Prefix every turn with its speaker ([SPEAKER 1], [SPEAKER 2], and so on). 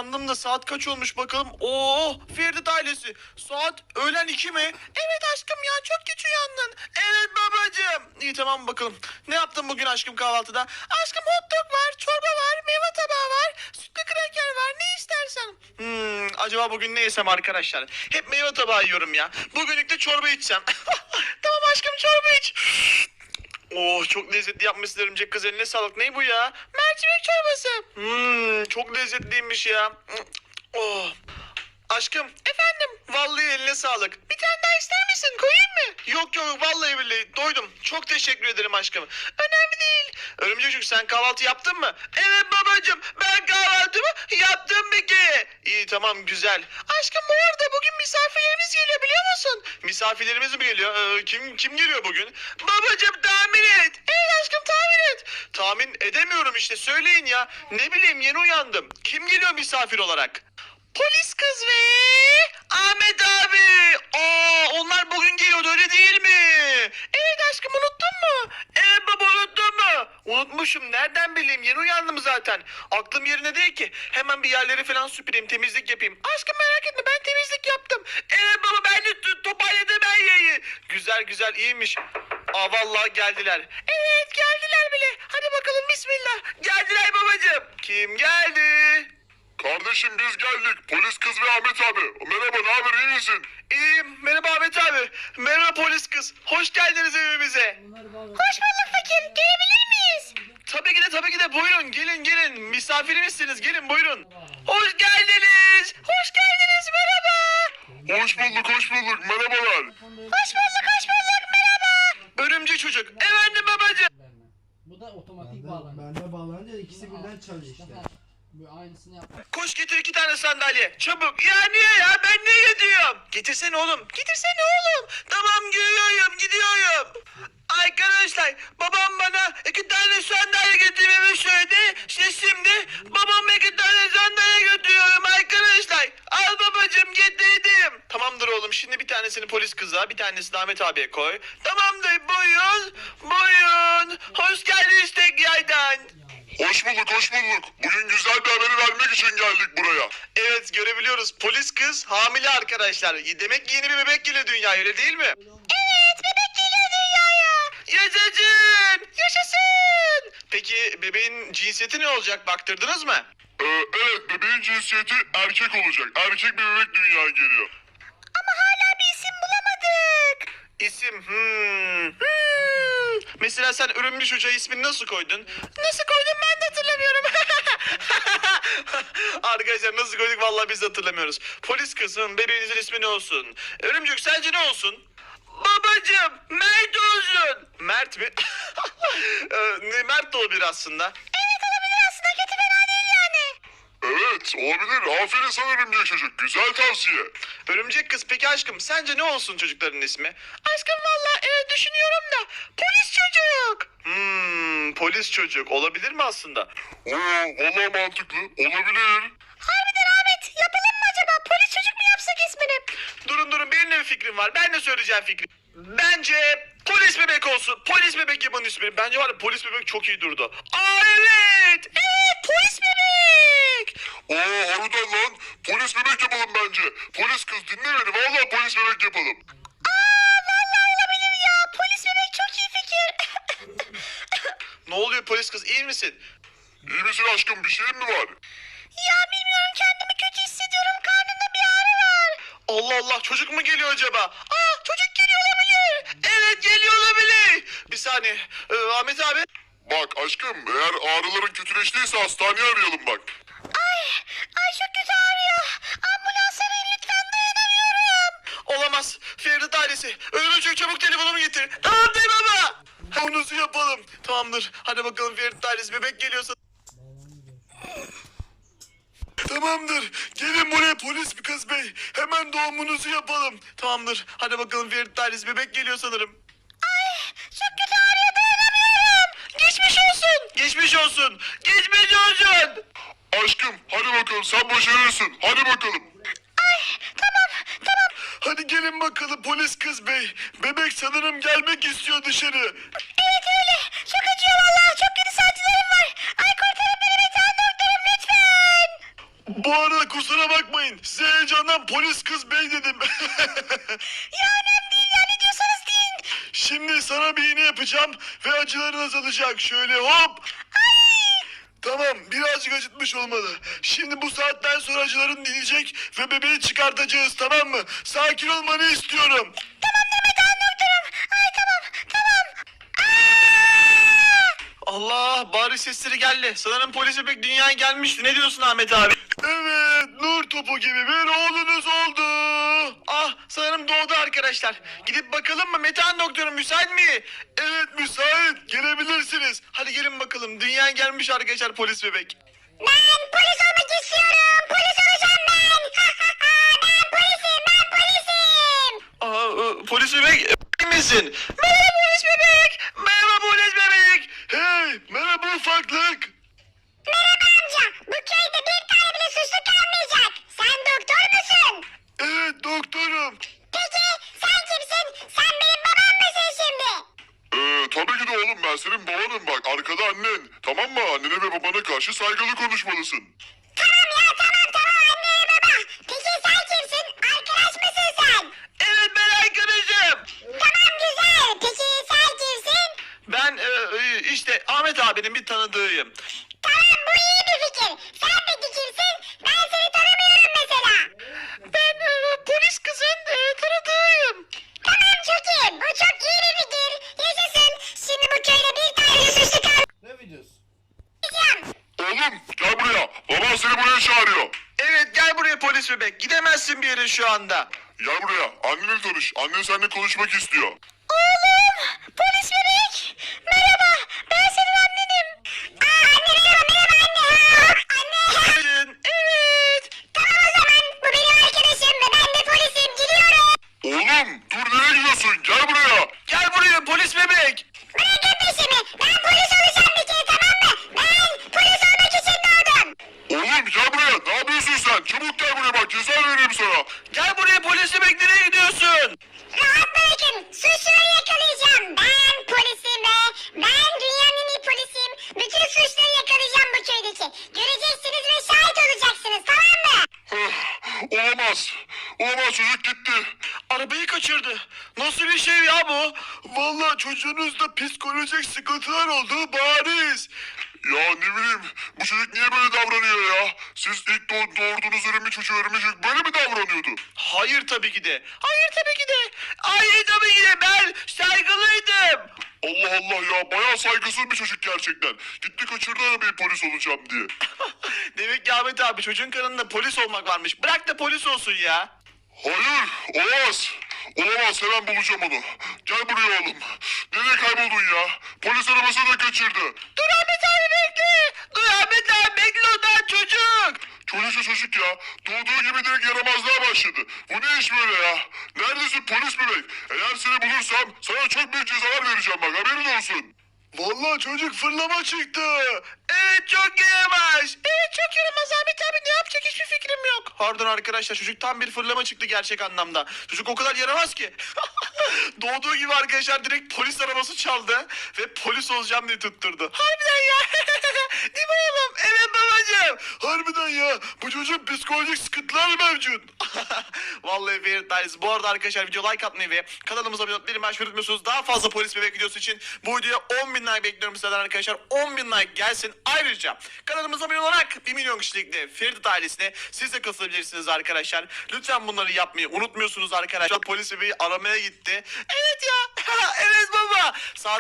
[SPEAKER 1] uyandım da saat kaç olmuş bakalım. Oo, Ferdi ailesi. Saat öğlen 2 mi? Evet aşkım ya, çok geç uyandın. Evet babacığım. İyi tamam bakalım. Ne yaptın bugün aşkım kahvaltıda? Aşkım hot dog var, çorba var, meyve tabağı var, sütlü kraker var. Ne istersen. Acaba bugün ne yesem arkadaşlar? Hep meyve tabağı yiyorum ya. Bugünlük de çorba içsem. Tamam aşkım, çorba iç. Oh, çok lezzetli yapmışsın örümcek kız, eline sağlık. Ne bu ya? Mercimek çorbası. Çok lezzetliymiş ya. Oh. Aşkım. Efendim. Vallahi eline sağlık. Bir tane daha ister misin? Koyayım mı? Yok yok, vallahi billahi doydum. Çok teşekkür ederim aşkım. Önemli değil. Örümcek çocuk, sen kahvaltı yaptın mı? Evet babacığım, ben kahvaltımı yaptım bir kere. İyi tamam, güzel. Aşkım bu arada bugün misafirlerimiz geliyor, biliyor musun? Misafirlerimiz mi geliyor? Kim geliyor bugün? Babacığım tahmin et. Evet aşkım, tahmin et. Tahmin edemiyorum işte, söyleyin ya. Ne bileyim, yeni uyandım. Kim geliyor misafir olarak? Polis kız ve Ahmet abi. Onlar bugün geliyordu, öyle değil mi? Evet aşkım, unuttun mu? Evet baba, unuttun mu? Unutmuşum, nereden bileyim, yeni uyandım zaten. Aklım yerine değil ki. Hemen bir yerleri falan süpüreyim, temizlik yapayım. Aşkım merak etme, ben temizlik yaptım. Evet baba, ben de toparladım her yeri. Güzel güzel, iyiymiş. Vallahi geldiler. Evet geldiler bile. Hadi bakalım, bismillah. Geldiler babacığım. Kim geldi?
[SPEAKER 2] Kardeşim biz geldik. Polis kız ve Ahmet abi. Merhaba, ne haber, iyi misin?
[SPEAKER 1] İyiyim. Merhaba Ahmet abi. Merhaba polis kız. Hoş geldiniz evimize.
[SPEAKER 3] Hoş bulduk fakir. Gelebilir miyiz?
[SPEAKER 1] Tabii ki de buyurun. Gelin. Misafirimizsiniz. Gelin buyurun. Hoş geldiniz. Hoş geldiniz. Merhaba.
[SPEAKER 2] Hoş bulduk. Merhabalar.
[SPEAKER 3] Hoş bulduk. Merhaba.
[SPEAKER 1] Örümcek çocuk. Efendim babacığım.
[SPEAKER 4] Bu da otomatik bağlanıyor.
[SPEAKER 5] Bende bağlanınca ikisi birden çalıyor işte.
[SPEAKER 4] Bu aynısını yap.
[SPEAKER 1] Koş getir 2 tane sandalye. Çabuk. Ya niye ya? Ben niye gidiyorum? Getirsene oğlum. Tamam gidiyorum. Arkadaşlar, babam bana 2 tane sandalye getirmemi söyledi. İşte şimdi babama 2 tane sandalye götürüyorum arkadaşlar. Al babacığım, getirdim. Tamamdır oğlum, şimdi bir tanesini polis kıza, bir tanesini Ahmet abiye koy. Tamamdır, buyurun. Hoş geldiniz tekrardan.
[SPEAKER 2] Hoş bulduk. Bugün güzel bir haberi vermek için geldik buraya.
[SPEAKER 1] Evet, görebiliyoruz. Polis kız hamile arkadaşlar. Demek ki yeni bir bebek geliyor dünyaya, öyle değil mi?
[SPEAKER 3] Evet, bebek geliyor dünyaya.
[SPEAKER 1] Yaşasın. Peki bebeğin cinsiyeti ne olacak, baktırdınız mı?
[SPEAKER 2] Evet, bebeğin cinsiyeti erkek olacak. Erkek bir bebek dünyaya geliyor.
[SPEAKER 3] Ama hala bir isim bulamadık.
[SPEAKER 1] İsim Mesela sen örümcek çocuğa ismini nasıl koydun? Nasıl koydum ben de hatırlamıyorum. Arkadaşlar nasıl koyduk vallahi biz de hatırlamıyoruz. Polis kızım, bebeğinizin ismi ne olsun? Örümcek sence ne olsun? Babacım, Mert olsun. Mert mi? Mert de olabilir aslında.
[SPEAKER 3] Evet, olabilir aslında. Kötü, fena değil yani.
[SPEAKER 2] Evet, olabilir. Aferin sana örümcek çocuk. Güzel tavsiye.
[SPEAKER 1] Örümcek kız, peki aşkım sence ne olsun çocukların ismi? Aşkım valla düşünüyorum da polis çocuk. Polis çocuk olabilir mi aslında?
[SPEAKER 2] Vallahi mantıklı. Olabilir.
[SPEAKER 3] Harbiden Ahmet, yapalım mı acaba? Polis çocuk mu yapsak ismini?
[SPEAKER 1] Durun, benim de bir fikrim var. Ben de söyleyeceğim fikri. Bence polis bebek olsun. Polis bebek yapın ismini. Bence var ya, polis bebek çok iyi durdu. Evet. Evet, polis bebek.
[SPEAKER 2] Harbiden lan. Polis bebek yapalım bence. Polis kız dinle beni. Vallahi polis bebek yapalım.
[SPEAKER 3] Vallahi olabilir ya. Polis bebek çok iyi fikir.
[SPEAKER 1] Ne oluyor polis kız, iyi misin?
[SPEAKER 2] İyi misin aşkım? Bir şeyin mi var?
[SPEAKER 3] Ya bilmiyorum, kendimi kötü hissediyorum. Karnımda bir ağrı var.
[SPEAKER 1] Allah Allah, çocuk mu geliyor acaba? Çocuk geliyor olabilir. Evet, geliyor olabilir. Bir saniye. Ahmet abi.
[SPEAKER 2] Bak aşkım, eğer ağrıların kötüleştiyse hastaneye arayalım bak.
[SPEAKER 3] Ay çok kötü ağrıyor. Ambulans arayın lütfen, dayanamıyorum.
[SPEAKER 1] Olamaz. Ferdi ailesi. Örümcek çabuk telefonumu getir. Tamam değil baba. Doğumunuzu yapalım. Tamamdır. Hadi bakalım Ferdi ailesi, bebek geliyorsa. Tamamdır. Gelin buraya polis kız bey. Hemen doğumunuzu yapalım. Tamamdır. Hadi bakalım Ferdi ailesi, bebek geliyor sanırım.
[SPEAKER 3] Çok kötü ağrıyor, dayanamıyorum.
[SPEAKER 1] Geçmiş olsun.
[SPEAKER 2] Aşkım hadi bakalım, sen başarırsın. Hadi bakalım.
[SPEAKER 3] Tamam.
[SPEAKER 1] Hadi gelin bakalım polis kız bey. Bebek sanırım gelmek istiyor dışarı.
[SPEAKER 3] Evet öyle. Çok acıyor vallahi. Çok kötü sancılarım var. Ay kurtarın beni, bir tane doktorum lütfen.
[SPEAKER 1] Bu arada bakmayın. Size heyecandan polis kız bey dedim.
[SPEAKER 3] Ya önemli değil ya, ne diyorsanız deyin.
[SPEAKER 1] Şimdi sana bir iğne yapacağım ve acıların azalacak. Şöyle hop. Tamam, birazcık acıtmış olmalı. Şimdi bu saatten sonra acıların dinecek ve bebeği çıkartacağız, tamam mı? Sakin olmanı istiyorum.
[SPEAKER 3] Ay tamam.
[SPEAKER 1] Allah, bari sesleri geldi. Sanırım polis bebek dünyaya gelmişti. Ne diyorsun Ahmet abi? Evet, nur topu gibi bir oğlunuz oldu. Ah, sanırım doğdu arkadaşlar. Gidip bakalım mı? Metehan doktorum müsait mi? Evet, müsait. Gelebilirsiniz. Hadi gelin bakalım. Dünyaya gelmiş arkadaşlar polis bebek.
[SPEAKER 3] Ben polis olmak istiyorum. Polis olacağım ben. Ben polisim.
[SPEAKER 1] Polis bebek emin misin? Merhaba polis bebek. Merhaba polis bebek. Hey, merhaba ufaklık.
[SPEAKER 3] Merhaba amca. Bu köyde bir tane bile suçlu kalmayacak. Sen doktor musun?
[SPEAKER 1] Evet, doktorum.
[SPEAKER 3] Peki sen kimsin? Sen benim babam mısın şimdi?
[SPEAKER 2] Tabii ki de oğlum, ben senin babanım bak, arkada annen. Tamam mı? Annene ve babana karşı saygılı konuşmalısın.
[SPEAKER 3] Tamam ya, tamam anne ve baba. Peki sen kimsin? Arkadaş mısın sen?
[SPEAKER 1] Evet, ben arkadaşım.
[SPEAKER 3] Tamam güzel. Peki sen kimsin?
[SPEAKER 1] Ben işte Ahmet abinin bir tanıdığıyım.
[SPEAKER 3] Tamam, bu iyi bir fikir. Sen peki kimsin? Ben seni tanımıyorum mesela.
[SPEAKER 1] Ben polis kızın tanıdığıyım.
[SPEAKER 3] Tamam çok iyi. Bu çok iyi bir fikir. Yaşasın. Şimdi bu köyde bir tane suçlu
[SPEAKER 5] Ne videosu?
[SPEAKER 3] kalmayacağım.
[SPEAKER 2] Oğlum gel buraya. Baban seni buraya çağırıyor.
[SPEAKER 1] Evet, gel buraya polis bebek. Gidemezsin bir yere şu anda.
[SPEAKER 2] Gel buraya. Annenle tanış. Annen seninle konuşmak istiyor.
[SPEAKER 3] Oğlum, polis bebek. Merhaba, ben senin annenim. Anne merhaba anne.
[SPEAKER 1] Evet.
[SPEAKER 3] Tamam o zaman, bu benim arkadaşım ve ben de polisim, gidiyorum.
[SPEAKER 2] Oğlum dur, nereye gidiyorsun? Gel buraya.
[SPEAKER 1] Gel buraya polis bebek.
[SPEAKER 3] Bırakın peşimi, ben polis olacağım bir kere, tamam mı? Ben polis olmak için doğdum.
[SPEAKER 2] Oğlum gel buraya. Ne yapıyorsun sen? Çabuk gel buraya bak. Ceza veririm sana.
[SPEAKER 1] Gel buraya polis bebek, nereye gidiyorsun?
[SPEAKER 3] Rahat bırakın, suçluları yakalayacağım. Ben polisim ve ben dünyanın en iyi polisiyim. Bütün suçları yakalayacağım bu köydeki. Göreceksiniz ve şahit olacaksınız, tamam mı?
[SPEAKER 2] Olamaz. Olamaz, çocuk gitti.
[SPEAKER 1] Arabayı kaçırdı. Nasıl bir şey ya bu? Vallahi çocuğunuzda psikolojik sıkıntılar olduğu bariz.
[SPEAKER 2] Ya ne bileyim, bu çocuk niye böyle davranıyor ya? Siz ilk doğurduğunuz ölümü çocuğu ölmüşük böyle mi davranıyordu?
[SPEAKER 1] Hayır tabii ki de. Hayır tabii ki de. Hayır tabii ki de. Ben saygılıydım.
[SPEAKER 2] Allah Allah ya, bayağı saygısız bir çocuk gerçekten. Gitti kaçırdı arabayı polis olacağım diye.
[SPEAKER 1] Demek ki Ahmet abi çocuğun karnında polis olmak varmış. Bırak da polis olsun ya.
[SPEAKER 2] Hayır, olamaz. Olamaz, hemen bulacağım onu. Gel buraya oğlum. Nereye kayboldun ya? Polis arabasını da kaçırdı.
[SPEAKER 1] Dur Ahmet abi bekle. Dur Ahmet abi bekle, o daha çocuk.
[SPEAKER 2] Çocuk ya. Doğduğu gibi direkt yaramazlığa başladı. Bu ne iş böyle ya? Neredesin polis bebek? Eğer seni bulursam sana çok büyük cezalar vereceğim bak, haberin olsun.
[SPEAKER 1] Vallahi çocuk fırlama çıktı. Evet, çok yaramaz. Evet, çok yaramaz Ahmet abi, ne yapacak hiçbir fikrim yok. Pardon arkadaşlar, çocuk tam bir fırlama çıktı gerçek anlamda. Çocuk o kadar yaramaz ki. Doğduğu gibi arkadaşlar direkt polis arabası çaldı ve polis olacağım diye tutturdu. Harbiden ya. Değil mi oğlum? Evet babacığım. Harbiden ya. Bu çocuğun psikolojik sıkıntılar mevcut. Vallahi Ferit Dayız. Bu arada arkadaşlar video like atmayı ve kanalımıza abone olmayı unutmuyorsunuz. Daha fazla polis bebek videosu için bu videoya 10.000 like bekliyorum sizlerden arkadaşlar. 10.000 like gelsin. Ayrıca kanalımıza abone olarak 1 milyon kişilikte Ferit ailesine siz de katılabilirsiniz arkadaşlar. Lütfen bunları yapmayı unutmuyorsunuz arkadaşlar. Polis bebeği aramaya gitti. Evet ya. Evet baba. Saat